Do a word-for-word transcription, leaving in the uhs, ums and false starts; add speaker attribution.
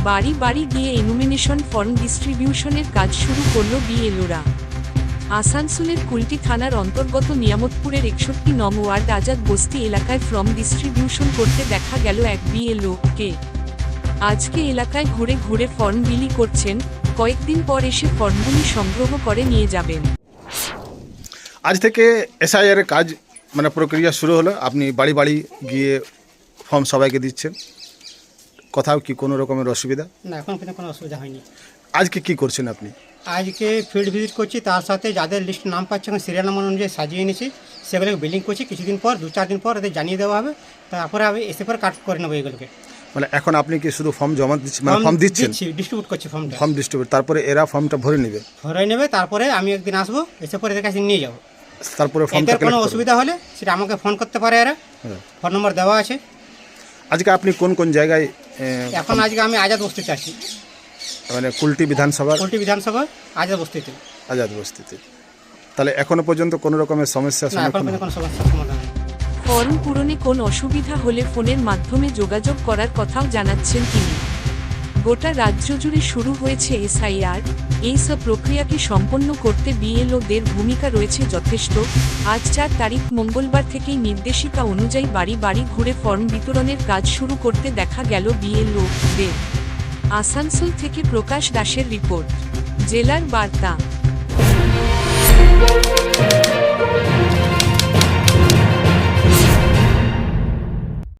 Speaker 1: বাড়ি বাড়ি গিয়ে এনুমিনেশন ফর্ম ডিস্ট্রিবিউশনের কাজ শুরু করল বিএলওরা। আসানসোলের কুলটি থানার অন্তর্গত নিয়ামতপুরের একষট্টি নং ওয়ার্ড আজাদ বস্তি এলাকায় ফর্ম ডিস্ট্রিবিউশন করতে দেখা গেল এক বিএলওকে। আজকে এলাকায় ঘুরে ঘুরে ফর্ম বিলি করছেন, কয়েকদিন পর এসে ফর্মগুলি সংগ্রহ করে নিয়ে যাবেন।
Speaker 2: আজ থেকে এসআইআর এর কাজ মানে প্রক্রিয়া শুরু হলো। আপনি বাড়ি বাড়ি গিয়ে ফর্ম সবাইকে দিচ্ছেন, কোথাও কি কোনো রকমের অসুবিধা?
Speaker 3: না, এখন কিন্তু কোনো অসুবিধা হয়নি।
Speaker 2: আজকে কি করছেন আপনি?
Speaker 3: আজকে ফিল্ড ভিজিট করছি, তার সাথে যাদের লিস্ট নাম পাচ্ছে এখন সিরিয়াল নাম্বার অনুযায়ী সাজিয়ে নিয়েছি, সেগুলোকে বিলিং করছি। কিছুদিন পর দু চার দিন পর এদের জানিয়ে দেওয়া হবে, তারপরে আমি এসে পর কাট করে নেবো এগুলোকে।
Speaker 2: মানে এখন আপনি কি শুধু ফর্ম জমা দিচ্ছেন, মানে ফর্ম দিচ্ছেন,
Speaker 3: ডিস্ট্রিবিউট করছি ফর্মটা,
Speaker 2: ফর্ম ডিস্ট্রিবিউট, তারপরে এরা ফর্মটা ভরে নেবে
Speaker 3: ভরে নেবে তারপরে আমি একদিন আসবো, এসে পরে এদের কাছে নিয়ে যাবো।
Speaker 2: তারপরে
Speaker 3: এদের কোনো অসুবিধা হলে সেটা আমাকে ফোন করতে পারে, এরা ফোন নম্বর দেওয়া আছে।
Speaker 2: আজকে আপনি কোন কোন জায়গায়?
Speaker 3: এখন আজকে আমি আজাদ বস্তিতে আছি,
Speaker 2: মানে কুলটি বিধানসভা,
Speaker 3: কুলটি বিধানসভা আজাদ বস্তিতে।
Speaker 2: আজাদ বস্তিতে। তাহলে এখনো পর্যন্ত কোনো রকমের সমস্যার সম্মুখীন?
Speaker 3: কোনো সমস্যার সমাধান নেই।
Speaker 1: ফর্ম পূরণে কোন অসুবিধা হলে ফোনের মাধ্যমে যোগাযোগ করার কথাও জানাচ্ছেন তিনি। গোটা রাজ্য জুড়ে শুরু হয়েছে এসআইআর। এই সব প্রক্রিয়াকে সম্পন্ন করতে বিএলওদের ভূমিকা রয়েছে যথেষ্ট। আজ চার তারিখ মঙ্গলবার থেকেই নির্দেশিকা অনুযায়ী বাড়ি বাড়ি ঘুরে ফর্ম বিতরণের কাজ শুরু করতে দেখা গেল বিএলওদের। আসানসোল থেকে প্রকাশ দাসের রিপোর্ট, জেলার বার্তা।